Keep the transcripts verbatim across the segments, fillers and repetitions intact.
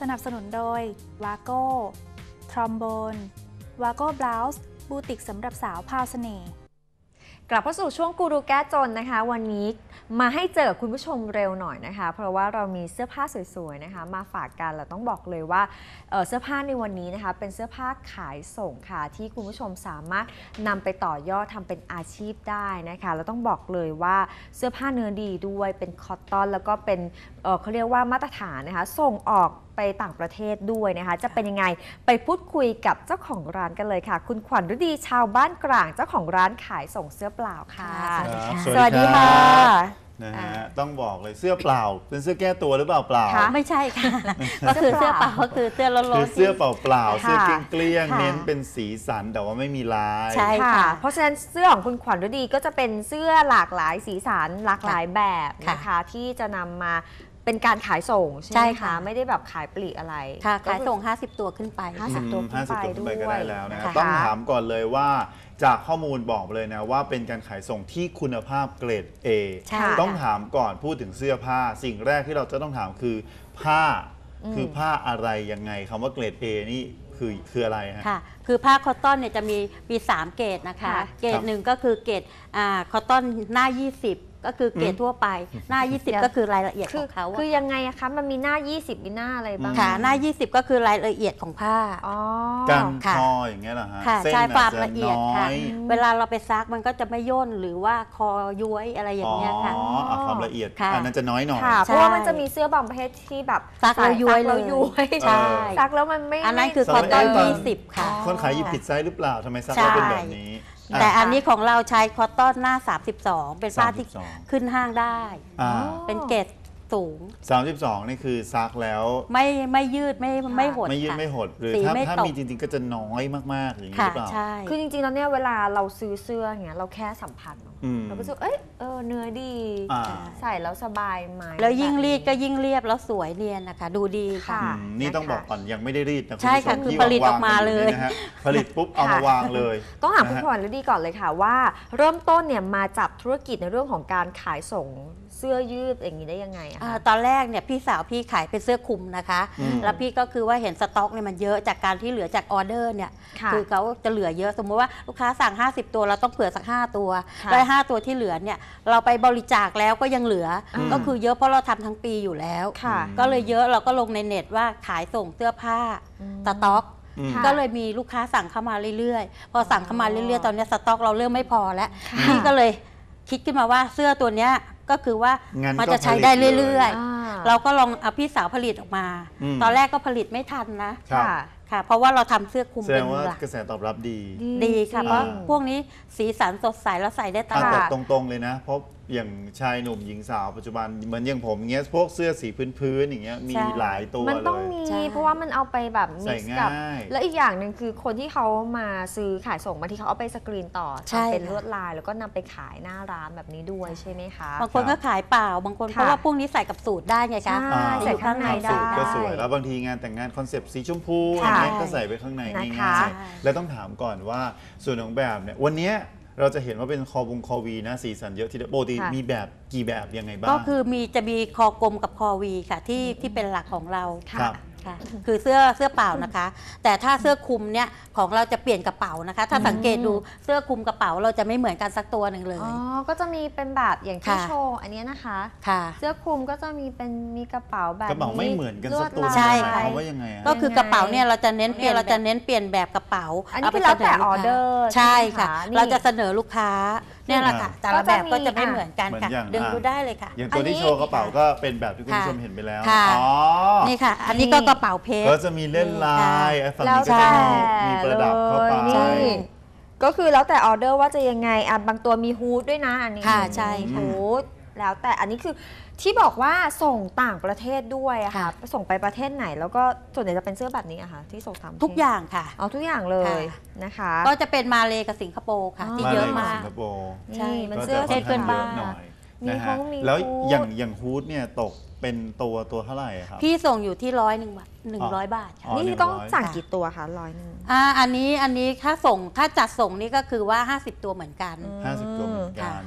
สนับสนุนโดยวาโก้ทรอมโบนวาโก้บลาส์บูติกสำหรับสาวพาวเสน่ห์กลับเข้าสู่ช่วงกูรูแก้จนนะคะวันนี้มาให้เจอคุณผู้ชมเร็วหน่อยนะคะเพราะว่าเรามีเสื้อผ้าสวยๆนะคะมาฝากกันเราต้องบอกเลยว่าเ, เสื้อผ้าในวันนี้นะคะเป็นเสื้อผ้าขายส่งค่ะที่คุณผู้ชมสามารถนำไปต่อยอดทำเป็นอาชีพได้นะคะเราต้องบอกเลยว่าเสื้อผ้าเนื้อดีด้วยเป็นคอตตอนแล้วก็เป็น เ, เขาเรียกว่ามาตรฐานนะคะส่งออกไปต่างประเทศด้วยนะคะจะเป็นยังไงไปพูดคุยกับเจ้าของร้านกันเลยค่ะคุณขวัญฤดีชาวบ้านกลางเจ้าของร้านขายส่งเสื้อเปล่าค่ะสวัสดีค่ะนะฮะต้องบอกเลยเสื้อเปล่าเป็นเสื้อแก้ตัวหรือเปล่าเปล่าไม่ใช่ค่ะก็คือเสื้อเปล่าก็คือเสื้อล้นๆคือเสื้อเปล่าเปล่าเสื้อเกลี้ยงเน้นเป็นสีสันแต่ว่าไม่มีลายใช่ค่ะเพราะฉะนั้นเสื้อของคุณขวัญฤดีก็จะเป็นเสื้อหลากหลายสีสันหลากหลายแบบนะคะที่จะนำมาเป็นการขายส่งใช่ไหมคะไม่ได้แบบขายปลีกอะไรค่ะขายส่งห้าสิบตัวขึ้นไปห้าสิบตัวขึ้นไปด้วยก็ได้แล้วนะต้องถามก่อนเลยว่าจากข้อมูลบอกเลยนะว่าเป็นการขายส่งที่คุณภาพเกรด A ต้องถามก่อนพูดถึงเสื้อผ้าสิ่งแรกที่เราจะต้องถามคือผ้าคือผ้าอะไรยังไงคำว่าเกรด A นี่คือคืออะไรฮะค่ะคือผ้าคอตตอนเนี่ยจะมีมีสามเกรดนะคะเกรดหนึ่งก็คือเกรดอ่าคอตตอนหน้ายี่สิบก็คือเกรดทั่วไปหน้ายี่สิบก็คือรายละเอียดของเขาคือยังไงอะคะมันมีหน้ายี่สิบมีหน้าอะไรบ้างค่ะหน้ายี่สิบก็คือรายละเอียดของผ้าอ๋อกันคออย่างเงี้ยเหรอฮะค่ะใช่ความละเอียดค่ะเวลาเราไปซักมันก็จะไม่ย่นหรือว่าคอย้วยอะไรอย่างเงี้ยค่ะอ๋อความละเอียดอันนั้นจะน้อยหน่อยเพราะว่ามันจะมีเสื้อบางประเภทที่แบบซักแล้วย้วยเลยใช่ซักแล้วมันไม่อันนั้นคือคอตตอนยี่สิบค่ะคนขายหยิบผิดไซส์หรือเปล่าทำไมซักแล้วเป็นแบบนี้แต่อันนี้ของเราใช้คอตตอนหน้าสามสิบสองเป็นผ้าที่ขึ้นห้างได้เป็นเกรดสูงสามสิบสองนี่คือซักแล้วไม่ไม่ยืดไม่ไม่หดไม่ยืดไม่หดหรือถ้าถ้ามีจริงๆก็จะน้อยมากๆอย่างนี้หรือเปล่าคือจริงๆแล้วเนี่ยเวลาเราซื้อเสื้ออย่างเงี้ยเราแค่สัมผัสเราก็รู้สึกเอ้ยเออเนื้อดีใส่แล้วสบายไหมแล้วยิ่งรีดก็ยิ่งเรียบแล้วสวยเนียนนะคะดูดีค่ะนี่ต้องบอกก่อนยังไม่ได้รีดนะใช่ค่ะคือผลิตออกมาเลยผลิตปุ๊บเอามาวางเลยต้องถามคุณขวัญฤดีก่อนเลยค่ะว่าเริ่มต้นเนี่ยมาจับธุรกิจในเรื่องของการขายส่งเสื้อยืดอย่างนี้ได้ยังไงอะตอนแรกเนี่ยพี่สาวพี่ขายเป็นเสื้อคลุมนะคะแล้วพี่ก็คือว่าเห็นสต็อกเนี่ยมันเยอะจากการที่เหลือจากออเดอร์เนี่ยคือเขาจะเหลือเยอะสมมติว่าลูกค้าสั่งห้าสิบตัวเราต้องเผื่อสักห้าตัวได้ห้าตัวที่เหลือเนี่ยเราไปบริจาคแล้วก็ยังเหลือก็คือเยอะเพราะเราทำทั้งปีอยู่แล้วก็เลยเยอะเราก็ลงในเน็ตว่าขายส่งเสื้อผ้าสต็อกก็เลยมีลูกค้าสั่งเข้ามาเรื่อยๆพอสั่งเข้ามาเรื่อยๆตอนนี้สต็อกเราเริ่มไม่พอแล้วพี่ก็เลยคิดขึ้นมาว่าเสื้อตัวเนี้ยก็คือว่ามันจะใช้ได้เรื่อยๆเราก็ลองเอาพี่สาวผลิตออกมาตอนแรกก็ผลิตไม่ทันนะค่ะเพราะว่าเราทำเสื้อคลุมเป็นหลักกระแสตอบรับดีดีค่ะเพราะพวกนี้สีสันสดใสแล้วใส่ได้ตลอดตรงๆเลยนะเพราะอย่างชายหนุ่มหญิงสาวปัจจุบันเหมือนอย่างผมเงี้ยพวกเสื้อสีพื้นๆอย่างเงี้ยมีหลายตัวเลยมันต้องมีเพราะว่ามันเอาไปแบบมิกซ์กับแล้วอีกอย่างหนึ่งคือคนที่เขามาซื้อขายส่งบางทีเขาเอาไปสกรีนต่อเป็นลวดลายแล้วก็นำไปขายหน้าร้านแบบนี้ด้วยใช่ไหมคะบางคนก็ขายเปล่าบางคนเพราะว่าพวกนี้ใส่กับสูตรได้ไงคะใส่ข้างในได้ก็สวยแล้วบางทีงานแต่งงานคอนเซปต์สีชมพูอย่างเงี้ยก็ใส่ไปข้างในง่ายๆแล้วต้องถามก่อนว่าส่วนของแบบเนี่ยวันนี้เราจะเห็นว่าเป็นคอวงคอวีนะสีสันเยอะที่ปกติมีแบบกี่แบบยังไงบ้างก็คือมีจะมีคอกลมกับคอวีค่ะที่ที่เป็นหลักของเราค่ะคือเสื้อเสื้อเปล่านะคะแต่ถ้าเสื้อคลุมเนี่ยของเราจะเปลี่ยนกระเป๋านะคะถ้าสังเกตดูเสื้อคลุมกระเป๋าเราจะไม่เหมือนกันสักตัวหนึ่งเลยอ๋อก็จะมีเป็นแบบอย่างที่โชว์อันนี้นะคะค่ะเสื้อคลุมก็จะมีเป็นมีกระเป๋าแบบกระเป๋าไม่เหมือนกันสักตัวใช่ค่ะว่ายังไงก็คือกระเป๋าเนี่ยเราจะเน้นเปลี่ยนเราจะเน้นเปลี่ยนแบบกระเป๋าอันนี้คือแล้วแต่ออเดอร์ใช่ค่ะเราจะเสนอลูกค้าเนี่ยแหละค่ะแต่ละแบบก็จะไม่เหมือนกันค่ะดึงดูได้เลยค่ะอย่างตัวที่โชว์กระเป๋าก็เป็นแบบที่คุณผู้ชมเห็นไปแล้วอ๋อนี่ค่ะอันนี้ก็กระเป๋าเพชรก็จะมีเล่นลายฝั่งนี้ก็จะมีประดับเข้าไปก็คือแล้วแต่ออเดอร์ว่าจะยังไงอ่ะบางตัวมีฮูดด้วยนะอันนี้ค่ะใช่ฮูดแล้วแต่อันนี้คือที่บอกว่าส่งต่างประเทศด้วยอะค่ะส่งไปประเทศไหนแล้วก็ส่วนใหญ่จะเป็นเสื้อแบบนี้อะค่ะที่ส่งทำทุกอย่างค่ะเอาทุกอย่างเลยนะคะก็จะเป็นมาเลกับสิงคโปร์ค่ะที่เยอะมากใช่มันเสื้อเทศเพื่อนบ้านนะฮะแล้วอย่างอย่างฮูดเนี่ยตกเป็นตัวตัวเท่าไหร่ครับพี่ส่งอยู่ที่ร้อยหนึ่งบาทหนึ่งร้อยบาทนี่ต้องสั่งกี่ตัวคะร้อยหนึ่งอ่าอันนี้อันนี้ถ้าส่งถ้าจัดส่งนี่ก็คือว่าห้าสิบตัวเหมือนกันห้าสิบตัวเหมือนกันอ๋อ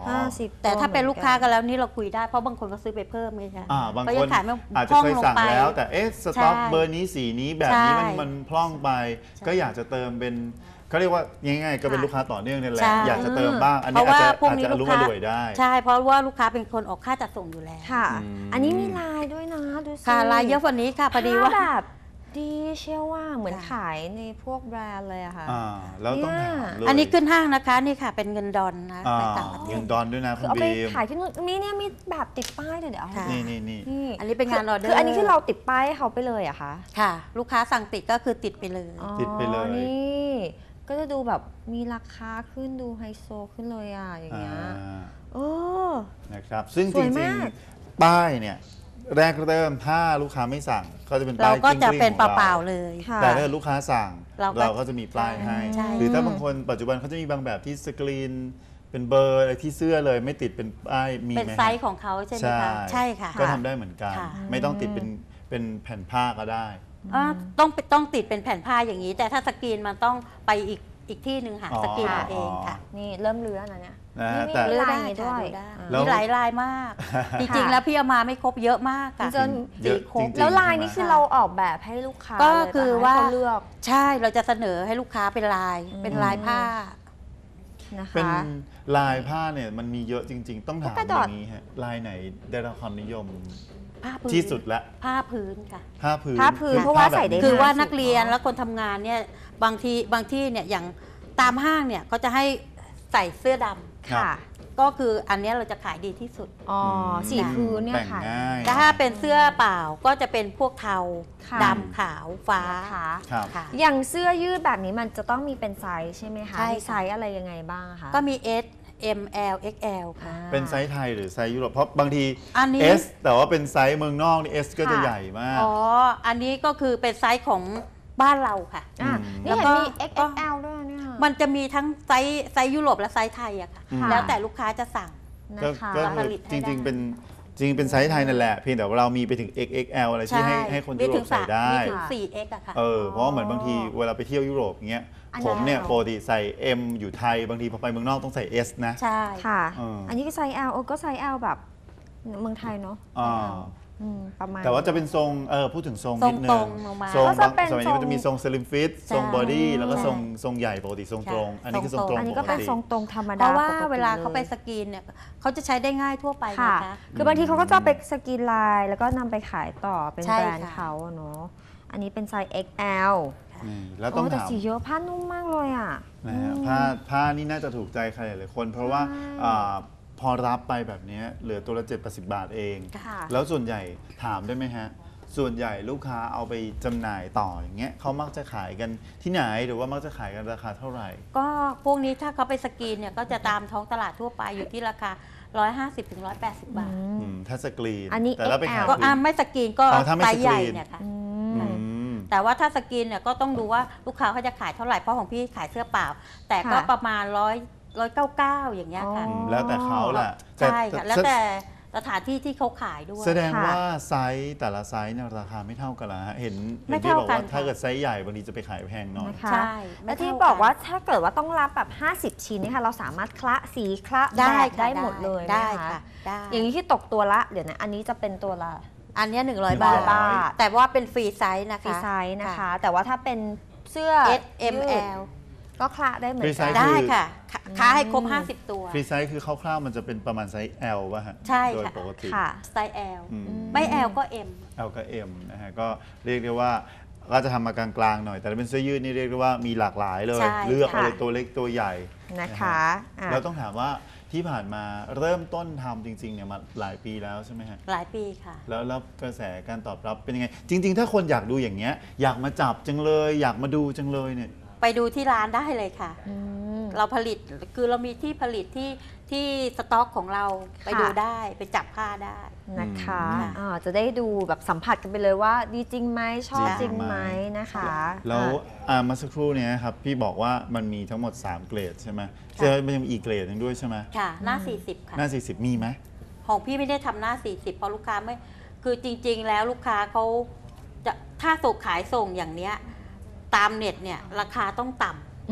ห้าสิบแต่ถ้าเป็นลูกค้ากักัน นแล้วนี่เราคุยได้เพราะบางคนก็ซื้อไปเพิ่มไงคะอ่าบางก็คยันขายไม่อาจจะพร่องเคยลงสั่งไปแล้ว แต่เอ๊ะสต็อกใช่เบอร์นี้สีนี้แบบนี้มันใช่มันพร่องไป ก็อยากจะเติมเป็นเขาเรียกว่าง่ายๆก็เป็นลูกค้าต่อเนื่องนี่แหละใช่อยากจะเติมบ้าง อันเพนี้ราะอาจว่าจะพวกอาจนี้จะอลูรุกมค้าอร่วยได้ใช่เพราะว่าลูกค้าเป็นคนออกค่าจัดส่งอยู่แล้วค่ะอืมอันนี้มีลายด้วยนะดูสิค่ะลายเยอะกว่านี้ค่ะพอดีว่าผ้แบบดีเชื่อว่าเหมือนค่ะขายในพวกแบรนด์เลยอะค่ะอ่าแล้วต้องถามเลยอันนี้ขึ้นห้างนะคะนี่ค่ะเป็นเงินดอลนะอ่าไปต่างประเทเงิศนดอนด้วยนะคืคุอณเอาไปบีมขายที่นู่นมีเนี่ยมีแบบติดป้ายเลยเดี๋ยวเอาให้ค่ะนี่นี่นี่นี่อันนี้เป็นงานออเดอร์คืออันนี้คือเราติดป้ายให้เขาไปเลยเหรอะคะค่ะ ลูกค้าสั่งติดก็คือติดไปเลยอ๋อติดไปเลยนี่ก็จะดูแบบมีราคาขึ้นดูไฮโซขึ้นเลยอะอย่างเงี้ยอ่าโอ้นะครับซึ่งสจวยริงมากๆ ป้ายเนี่ยแรกเริ่มถ้าลูกค้าไม่สั่งก็จะเป็นเราป้ายก็จะกลิ้งๆเป็นของเปล่าๆเลยค่ะแต่ถ้าเกิดลูกค้าสั่งเราก็เราก็จะมีป้ายให้ใช่หรือถ้าบางคนปัจจุบันเขาจะมีบางแบบที่สกรีนเป็นเบอร์อะไรที่เสื้อเลยไม่ติดเป็นป้ายมีเป็นไหมไซฮะส์ของเขาใช่ไหมใช่คะใช่ค่ะก็ทำได้เหมือนกันค่ะไม่ต้องติดเป็นเป็นแผ่นผ้าก็ได้อ่าต้องต้องติดเป็นแผ่นผ้าอย่างนี้ แต่ถ้าสกรีนมันต้องไปอีกอีกที่หนึ่งหาอ๋อสกรีนเอาเองค่ะนี่เริ่มเลื้อนะเนี่ยนะนี่ฮะมีแต่ลายได้นี้ด้วยค่ะอ่าแล้วมีหลายลายมาก จริงๆ แล้วพี่เอามาไม่ครบเยอะมากค่ะจนเยอะครบจริงๆแล้วลายใช่ไหมนี้คือเราออกแบบให้ลูกค้าก็เลยคือปะะว่าให้เขาเลือกใช่เราจะเสนอให้ลูกค้าเป็นลายอืมเป็นลายผ้านะเป็นคะลายผ้าเนี่ยมันมีเยอะจริง ๆ ต้องถามกระอดาษย่างนี้ฮะลายไหนได้รับความนิยมผ้าพื้นที่สุดละผ้าพื้นค่ะผ้าพื้นผ้าพื้นคือเพราะว่าผ้แบบใส่ได้คือว่าห้าสิบนักเรียนเนอะและคนทำงานเนี่ยบางทีบางที่เนี่ยอย่างตามห้างเนี่ยเขาจะให้ใส่เสื้อดำครับค่ะก็คืออันเนี้ยเราจะขายดีที่สุดอ๋อสีพื้นเนี่ยแต่งค่ะง่ายแต่ถ้าเป็นเสื้อเปล่าก็จะเป็นพวกเทาค่ะดำขาวฟ้านะคะครับค่ะอย่างเสื้อยืดแบบนี้มันจะต้องมีเป็นไซส์ใช่ไหมคะใช่ค่ะมีไซส์อะไรยังไงบ้างคะก็มี S M L เอ็กซ์ แอล ค่ะอ่าเป็นไซส์ไทยหรือไซส์ยุโรปเพราะบางทีอันนี้ S แต่ว่าเป็นไซส์เมืองนอกนี่ S ก็จะค่ะใหญ่มากอ๋อ อันนี้ก็คือเป็นไซส์ของบ้านเราค่ะอ่ะอืมนี่เห็นมีแล้ว X ก็ X L ด้วยเนี่ยมันจะมีทั้งไซส์ไซส์ยุโรปและไซส์ไทยอะค่ะอืมแล้วแต่ลูกค้าจะสั่งนะก็คะก็เราผคือลิตให้จริงได้ๆ เป็นจริงๆเป็นไซส์ไทยนั่นแหละ เพียงแต่ว่าเรามีไปถึง เอ็กซ์ เอ็กซ์ แอล อะไรที่ให้ให้คนยุโรปใส่ได้มีถึง สี่ เอ็กซ์ อะค่ะเออเพราะว่าเหมือนบางทีเวลาไปเที่ยวยุโรปอย่างเงี้ยอันผนั้นมเนี่ยเราปกติใส่ M อยู่ไทยบางทีพอไปเมืองนอกต้องใส่ S นะใช่ค่ะเอออัอันนี้ก็ไซส์ L เออก็ไซส์ L แบบเมืองไทยเนาะอ่าอืมประมาณแต่ว่าจะเป็นทรงเออพูดถึงทรงทรนิงดนึตรง งลงมาทรงก็จะบางเป็นสมัยนี้มันจะมีทรงสลิมฟิตทรงบอดี้แล้วก็ทรงทรงใหญ่ปกติทรงตรง อันนี้คือทรงตรงอันนี้ปก็กเป็นติทรงตรงธรรมเพดาราะว่าปกติเวลาเขาไปยสกรีนเนี่ยเขาจะใช้ได้ง่ายทั่วไปค่ะนะคะคือบางทีเขาก็จะเอาไปสกรีนไลน์แล้วก็นำไปขายต่อเป็นใช่แบรนด์ค่ะเขาอะเนาะ อันนี้เป็นไซส์ เอ็กซ์ แอลนี่แล้วต้องโแต่ถามสีเยอะผ้านุ่มมากเลยอ่ะนะฮะผ้าผ้านี่น่าจะถูกใจใครหลายๆคน เพราะว่าอ่าพอรับไปแบบเนี้ยเหลือตัวละเจ็ดสิบบาทเองค่ะแล้วส่วนใหญ่ถามได้ไหมฮะ ส่วนใหญ่ลูกค้าเอาไปจำหน่ายต่ออย่างเงี้ยเขามักจะขายกันที่ไหนหรือว่ามักจะขายกันราคาเท่าไหร่ก็พวกนี้ถ้าเขาไปสกรีนเนี่ยก็จะตามท้องตลาดทั่วไปอยู่ที่ราคา หนึ่งร้อยห้าสิบถึงหนึ่งร้อยแปดสิบ บาทอืมถ้าสกรีนอันนี้แต่ถ้าไปขายเอ็กซ์แอลก็อ่าไม่สกรีนก็อ๋อถ้าไม่ไซส์ใหญ่สกรีนเนี่ยค่ะอือืมมแต่ว่าถ้าสกรีนเนี่ยก็ต้องดูว่าลูกค้าเขาจะขายเท่าไหร่เพราะของพี่ขายเสื้อเปล่า แต่ก็ค่ะประมาณร้อยร้อยเก้าเก้าอย่างเงี้ยค่ะอ๋อแล้วแต่เขาแหละใช่ค่ะต่แล้วแต่สถานที่ที่เขาขายด้วยแสดงค่ะว่าไซส์แต่ละไซส์เนี่ยราคาไม่เท่ากันละฮะเห็นไม่เห็นที่เท่าบอกกันว่าถ้าค่ะเกิดไซส์ใหญ่บางทีจะไปขายแพงหน่อยนะคะใช่และที่ไม่เท่าบอกว่ากันถ้าเกิดว่าต้องรับแบบห้าสิบชิ้นเนยคะเราสามารถคละสีคละได้แบบค่ะได้หมดเลยได้ไหมค่ะได้อย่างนี้ที่ตกตัวละเดี๋ยวนะอันนี้จะเป็นตัวละอันเนี้หนึ่งร้อยหนึ่งบาร้ทอยบาทแต่ว่าเป็นฟรีไซส์นะฟรีคะไซส์นะคะ แต่ว่าถ้าเป็นเสื้อ S M ยืด L ก็คละได้เหมือนฟรีไซกัส์นได้ค่ะคค้าให้ครบอืมห้าสิบ ตัวฟรีไซส์คือคร่าวๆมันจะเป็นประมาณไซส์ L ป่ะฮะใช่โดยค่ะปกติค่ะสไตล์ L อืมไม่ L ก็ M L กับ M นะฮะก็เรียกได้ว่าก็จะทำมากลางๆหน่อย แต่ถ้าเป็นเสื้อยืดนี่เรียกได้ว่ามีหลากหลายเลยใช่เลือกค่ะเอาเลยตัวเล็กตัวใหญ่นะคะอ่ะแล้วต้องถามว่าที่ผ่านมาเริ่มต้นทำจริงๆเนี่ยมาหลายปีแล้วใช่ไหมฮะหลายปีค่ะแล้วแล้วกระแสการตอบรับเป็นยังไง จริง ๆ ถ้าคนอยากดูอย่างเงี้ยอยากมาจับจังเลย อยากมาดูจังเลยเนี่ยไปดูที่ร้านได้เลยค่ะอืมเราผลิตคือเรามีที่ผลิตที่ที่สต็อกของเราไปค่ะดูได้ไปจับผ้าได้นะคะอืมอ่าจะได้ดูแบบสัมผัสกันไปเลยว่าดีจริงไหมชอบจจริริงงไหไหมมนะคะแล้วอ่ะอ่าเมาสักครู่เนี้ยครับพี่บอกว่ามันมีทั้งหมดสามเกรดใช่ไหมใช่ไหมมันยังมีอีกเกรดหนึงด้วยใช่ไหมค่ะ หน้า สี่สิบ ค่ะหน้าสี่สิบมีไหมของพี่ไม่ได้ทำหน้า สี่สิบ เพราะลูกค้าไม่คือจริง ๆ แล้วลูกค้าเขาจะถ้าส่งขายส่งอย่างเนี้ยตามเน็ตเนี่ยราคาต้องต่ำอืม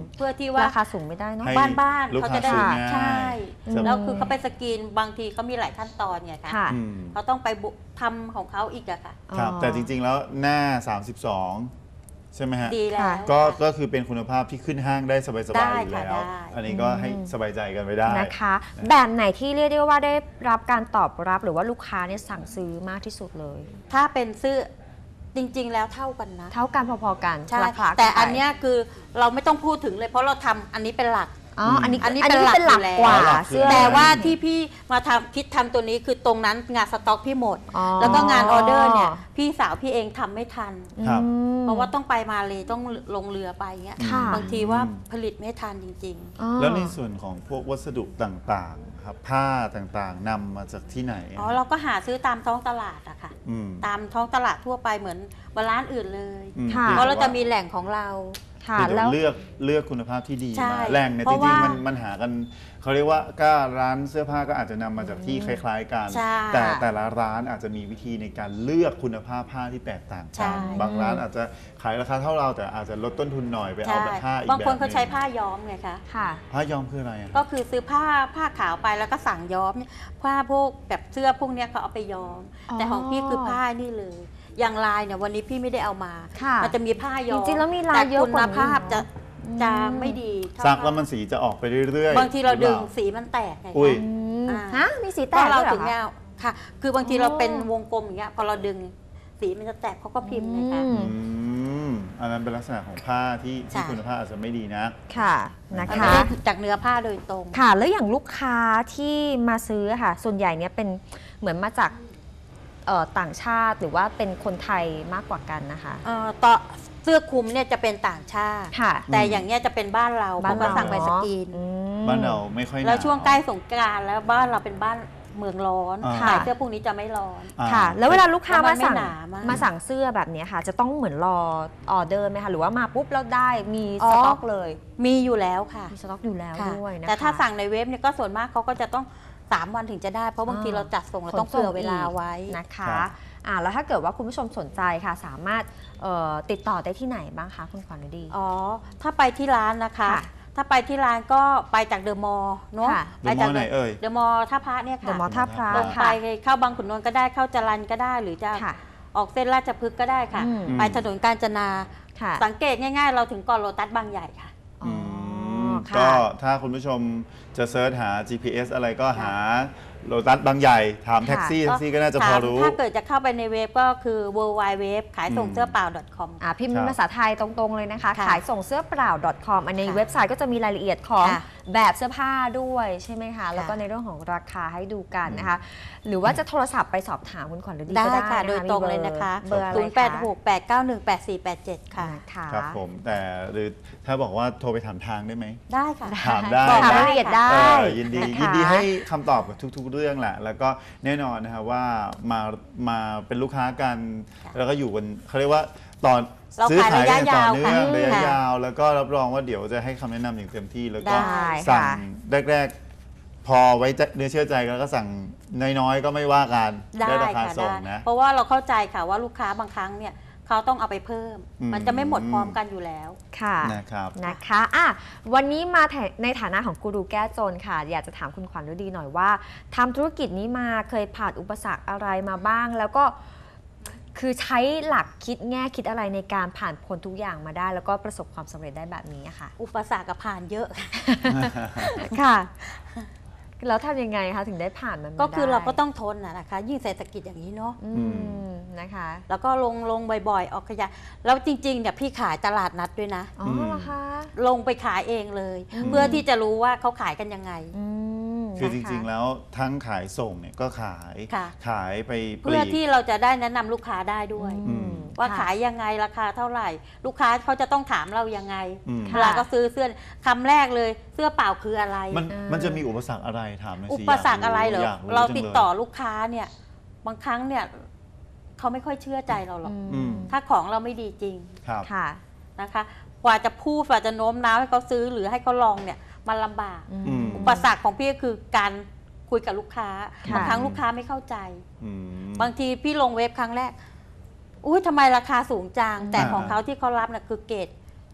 เพื่อที่ว่าราคาสูงไม่ได้เนาะให้บ้านบ้านลูกเขาค้าจะได้ซื้อง่ายใช่อืมแล้วคือเขาไปสกรีนบางทีเขามีหลายขั้นตอนไงคะค่ะอืมเขาต้องไปบุทำของเขาอีกอะค่ะครับอ๋อแต่จริงๆแล้วหน้า สามสิบสอง ใช่ไหมฮะดีแล้วก็ค่ะก็คือเป็นคุณภาพที่ขึ้นห้างได้สบายๆได้อยู่ค่ะแล้วได้อันนี้ก็ให้สบายใจกันไปได้นะคะ แบบไหนที่เรียกได้ว่าได้รับการตอบรับหรือว่าลูกค้าเนี่ยสั่งซื้อมากที่สุดเลยถ้าเป็นเสื้อจริง ๆ แล้วเท่ากันนะเท่ากันพอๆกันใช่ราคาแต่กัไปอันเนี้ยคือเราไม่ต้องพูดถึงเลยเพราะเราทำอันนี้เป็นหลักอ๋ออันนี้อันนี้อันนี้เป็เป็นนหหลัลักกกว่าอยู่แล้วเสื้อแต่ว่าที่พี่มาทำคิดทำตัวนี้คือตรงนั้นงานสต็อกพี่หมดอ๋อแล้วก็งานออเดอร์เนี่ยพี่สาวพี่เองทำไม่ทันครับอืมเพราะว่าต้องไปมาเลยต้องลงเรือไปเงี้ยค่ะบางทีว่าผลิตไม่ทันจริงอ๋อแล้วในส่วนของพวกวัสดุต่างๆครับผ้าต่างๆนำมาจากที่ไหนๆ อ๋อเราก็หาซื้อตามท้องตลาดอะค่ะอืมตามท้องตลาดทั่วไปเหมือนร้านอื่นเลยอืมค่ะพียงเพราะเราแต่จะว่มีแหล่งของเราค่ะคือแล้วเลือกเลือกคุณภาพที่ดีใช่มาแหล่งเนี่ยเพจราะริงๆว่ามัมันมันหากันเขาเรียกว่าก็ร้านเสื้อผ้าก็อาจจะนำมาจากที่คล้าย ๆ กันใช่แต่แต่ละร้านอาจจะมีวิธีในการเลือกคุณภาพผ้าที่แตกต่างใช่กันบางร้านอาจจะขายราคาเท่าเราแต่อาจจะลดต้นทุนหน่อยไปเอาใช่แบบผ้าอีกแบบบางคนเขาใช้หงผ้าย้อมไงคะค่ะผ้าย้อมคืออะไรอะก็คือซื้อผ้าผ้าขาวไปแล้วก็สั่งย้อมเนี่ยผ้าพวกแบบเสื้อพวกเนี้ยเขาเอาไปย้อมอ๋อแต่ของพี่คือผ้านี่เลย อย่างลายเนี่ยวันนี้พี่ไม่ได้เอามาค่ะมันจะมีผ้าย้อมจริงๆแล้วมีลายเยอะกว่านี้แต่คุณภาพจะอืมจะไม่ดีเท่าซักแล้วมันสีจะออกไปเรื่อยๆบางทีเราดึงหอปล่สีมันแตกไงอุ้ยคะอืมอ่าฮะมีสีแตก็กเราด้วยเหรถึอง คะเนี้ยค่ะ คือบางทีเราอ๋อเป็นวงกลมอย่างเงี้ยพอเราดึงสีมันจะแตกเขาก็พิมพ์ไงคะอืมอืมอันนั้นเป็นลักษณะของผ้าที่ใช่ที่คุณภาพอาจจะไม่ดีนะค่ะนะมันคะไม่ได้จากเนื้อผ้าโดยตรงค่ะ แล้วอย่างลูกค้าที่มาซื้อค่ะ ส่วนใหญ่เนี่ยเป็นเหมือนมาจากเอ่อต่างชาติหรือว่าเป็นคนไทยมากกว่ากันนะคะเอ่อต่อเสื้อคลุมเนี่ยจะเป็นต่างชาติค่ะแต่อย่างเนี้ยจะเป็นบ้านเราเพราะว่าสั่งไปสกรีนอืมบ้านเราไม่ค่อยหนาวแล้วช่วงใกล้สงกรานต์แล้วบ้านเราเป็นบ้านเมืองร้อนอ่าขายเสื้อพวกนี้จะไม่ร้อนอ่าค่ะ แล้วเวลาลูกค้าแล้วมัมานไม่สั่งหนามากมาสั่งเสื้อแบบเนี้ยค่ะ จะต้องเหมือนรอออเดอร์ไหมคะ หรือว่ามาปุ๊บแล้วได้มีอ๋อสต็อกเลยมีอยู่แล้วค่ะมีสต็อกอยู่แล้วค่ะด้วยนะคะแต่ถ้าสั่งในเว็บเนี่ยก็ส่วนมากเขาก็จะต้องสามวันถึงจะได้ เพราะบางทีอ่าเราจัดส่งเราต้องขนส่งเผื่อเวลาไว้นะคะครับอ่าแล้วถ้าเกิดว่าคุณผู้ชมสนใจค่ะ สามารถเอ่อติดต่อได้ที่ไหนบ้างคะคุณขวัญฤดีอ๋อ ถ้าไปที่ร้านนะคะค่ะถ้าไปที่ร้านก็ไปจากเดอะมอลล์เนาะค่ะเดอะมอลล์ไหนเอ่ยเดอะมอลล์ท่าพระเนี่ยเดอะค่ะมอลล์ท่าพระลงไปค่ะเข้าบางขุนนนท์ก็ได้เข้าจรัญก็ได้หรือจะค่ะออกเส้นราชพฤกษ์ก็ได้ค่ะอืมไปถนนกาญจนาค่ะสังเกตง่ายๆ เราถึงก่อนโลตัสบางใหญ่ค่ะอ๋อมค่ะก็ถ้าคุณผู้ชมจะเซิร์ชหา จี พี เอส อะไรก็หาโลตัสบางใหญ่ ถามแท็กซี่ค่ะแท็กซี่ก็น่าจะพอรู้ถ้าเกิดจะเข้าไปในเว็บก็คือ ดับเบิลยู ดับเบิลยู ดับเบิลยู ขายส่งเสื้อเปล่า .com อ่าพิมพ์ครับภาษาไทยตรงๆเลยนะคะค่ะขายส่งเสื้อเปล่า .com อันในค่ะเว็บไซต์ก็จะมีรายละเอียดของค่ะแบบเสื้อผ้าด้วยใช่ไหมคะ แล้วก็ค่ะในเรื่องของราคาให้ดูกันนะคะ หรือว่าจะโทรศัพท์ไปสอบถามคุณขวัญฤดีได้ก็ได้ค่ะนโดยตรงเลยนะคะมีเบอร์อะไรศูนย์คะแปด หก แปด เก้า หนึ่ง แปด สี่ แปด เจ็ด ค่ะนะคะครับผมแต่หรือถ้าบอกว่าโทรไปถามทางได้ไหมได้ค่ะถามได้บอกนะรายละเอียดได้เออยินดีนะคะยินดีให้คำตอบกับทุก ๆ เรื่องแหละ แล้วก็แน่นอนนะครับว่ามามาเป็นลูกค้ากันค่ะแล้วก็อยู่กันเขาเรียกว่าตอนเราซื้อขายกันต่อขายระยะยาวเนื่องค่ะระยะค่ะยาว แล้วก็รับรองว่าเดี๋ยวจะให้คำแนะนำอย่างเต็มที่แล้วก็ได้สั่งค่ะแรกๆ พอไว้ใจเนื้อเชื่อใจกันแล้วก็สั่งน้อยๆ ก็ไม่ว่ากันได้ราคาค่ะส่งได้นะเพราะว่าเราเข้าใจค่ะว่าลูกค้าบางครั้งเนี่ยเขาต้องเอาไปเพิ่มอืมมันจะไม่หมดพร้อมกันอยู่แล้วค่ะนะครับนะคะอ่ะวันนี้มาในฐานะของกูรูแก้จนค่ะ อยากจะถามคุณขวัญฤดีหน่อยว่าทำธุรกิจนี้มาเคยผ่านอุปสรรคอะไรมาบ้าง แล้วก็คือใช้หลักคิดแง่คิดอะไรในการผ่านพ้นทุกอย่างมาได้ แล้วก็ประสบความสำเร็จได้แบบนี้อะค่ะอุปสรรคกับผ่านเยอะค่ะ แล้วทำยังไงคะถึงได้ผ่านมันมาก็คือได้เราก็ต้องทนนะนะคะ ยิ่งเศรษฐกิจอย่างนี้เนาะอืมนะคะแล้วก็ลงลงบ่อยๆ ออกขยะแล้วจริงๆเนี่ยพี่ขายตลาดนัดด้วยนะอ๋อเหรอคะลงไปขายเองเลยอืมเพื่อที่จะรู้ว่าเขาขายกันยังไงอืมคือจนะคะริงๆ แล้วทั้งขายส่งเนี่ยก็ขายค่ะขายไปปเพื่ลีอก ที่เราจะได้แนะนำลูกค้าได้ด้วยอืมว่าค่ะขายยังไงราคาเท่าไหร่ ลูกค้าเขาจะต้องถามเรายังไงอืมค่ะเวลาก็ซื้อเสื้อคำแรกเลยเสื้อเปล่าคืออะไรมันเออมันจะมีอุปสรรคอะไรถามหน่อยสิอุปสรรคอะไรเหรอยากเราจังลยติดต่อลูกค้าเนี่ย บางครั้งเนี่ยเขาไม่ค่อยเชื่อใจเราหรอกอืมถ้าของเราไม่ดีจริงครับค่ะนะคะ กว่าจะพูดกว่าจะโน้มน้าวให้เขาซื้อหรือให้เขาลองเนี่ยมันลำบากอืมอุปสรรคของพี่ก็คือการคุยกับลูกค้าค่ะบางครั้งลูกค้าไม่เข้าใจอืมบางทีพี่ลงเว็บครั้งแรก อุ้ยทำไมราคาสูงจัง แต่อ่าของเขาที่เขารับเนี่ยคือเกรด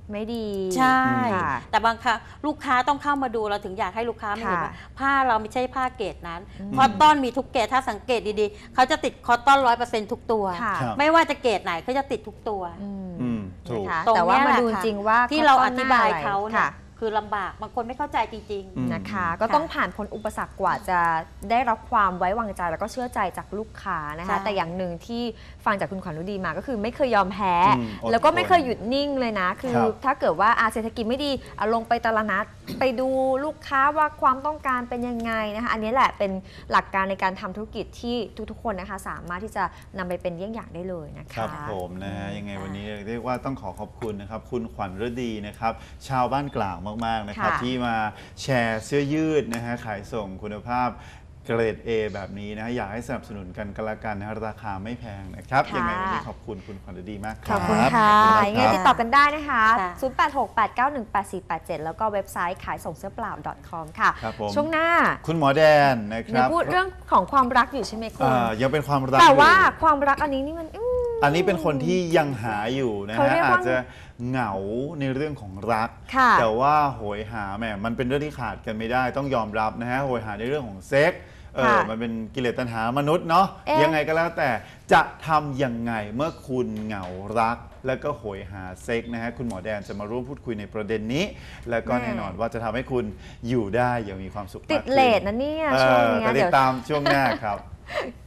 ไม่ดีใช่ค่ะแต่บางครั้งลูกค้าต้องเข้ามาดูเราถึงอยากให้ลูกค้ามาเห็นค่ะว่าผ้าเราไม่ใช่ผ้าเกรดนั้นอืมคอตตอนมีทุกเกรดถ้าสังเกตดีๆเขาจะติดคอตตอนร้อยเปอร์เซ็นต์ทุกตัวค่ะครับไม่ว่าจะเกรดไหนเขาจะติดทุกตัวอืมอืมถูกนะคะตรงแต่ว่าเนี้ยมาแหละดูค่ะจริงว่าที่เราข้อต้นธิบายหน้เขาอะไรเนี่ยค่ะคือลำบากบางคนไม่เข้าใจจริงอืมนะคะ ก็ต้องผ่านพ้นอุปสรรคกว่าจะได้รับความไว้วางใจแล้วก็เชื่อใจจากลูกค้านะคะใช่แต่อย่างหนึ่งที่ฟังจากคุณขวัญฤดีมาก็คือไม่เคยยอมแพ้อืมอดแล้วก็ไม่ทนเคยหยุดนิ่งเลยนะ คือครับถ้าเกิดว่าอาเศรษฐกิจไม่ดีเอาลงไปตลาดนัด ไปดูลูกค้าว่าความต้องการเป็นยังไงนะคะอันนี้แหละเป็นหลักการในการทำธุรกิจที่ทุกๆคนนะคะสามารถที่จะนำไปเป็นเยี่ยงอย่างได้เลยนะครัคะบผมนะฮะยังไงค่ะวันนี้เรียกว่าต้องขอขอบคุณนะครับคุณขวัญฤดีนะครับชาวบ้านกลางมากๆนะครับค่ะที่มาแชร์เสื้อยืดนะฮะขายส่งคุณภาพเกรด A แบบนี้นะฮะอยากให้สนับสนุนกันกันละกันนะฮะราคาไม่แพงนะครับค่ะยังไงวันนี้ขอบคุณคุณขวัญฤดีมากคขรัอบบคุณค่ะขอบยังไงณติดคต่รัอบ กันได้นะคะค่ะศูนย์ แปด หก แปด เก้า หนึ่ง แปด สี่ แปด เจ็ด แล้วก็เว็บไซต์ขายส่งเสื้อเปล่า .com ค่ะครับผมช่วงหน้าคุณหมอแดนนะคเนี่รัยบพูดเรื่องของความรักอยู่ใช่ไหมคุณเอ่อยังเป็นความรักแต่ว่าอยู่ความรักอันนี้นี่มันอืมอันนี้เป็นคนที่ยังหาอยู่นะเขาฮะเรียกว่าอาจจะเหงาในเรื่องของรักค่ะแต่ว่าโหยหาแหมมันเป็นเรื่องที่ขาดกันไม่ได้ต้องยอมรับนะฮะโหยหาในเรื่องของเซ็กส์เออค่ะมันเป็นกิเลสตัณหามนุษย์เนาะเอ๊ะยังไงก็แล้วแต่จะทำยังไงเมื่อคุณเหงารัก แล้วก็โหยหาเซ็กส์นะฮะคุณหมอแดนจะมาร่วมพูดคุยในประเด็นนี้ แล้วก็แม่แน่นอนว่าจะทำให้คุณอยู่ได้อย่างมีความสุขมากติขึ้ดเลทนะเนี่ยเอช่วงอเนี้ยแต่ติเดี๋ยดวตามช่วงหน้าครับ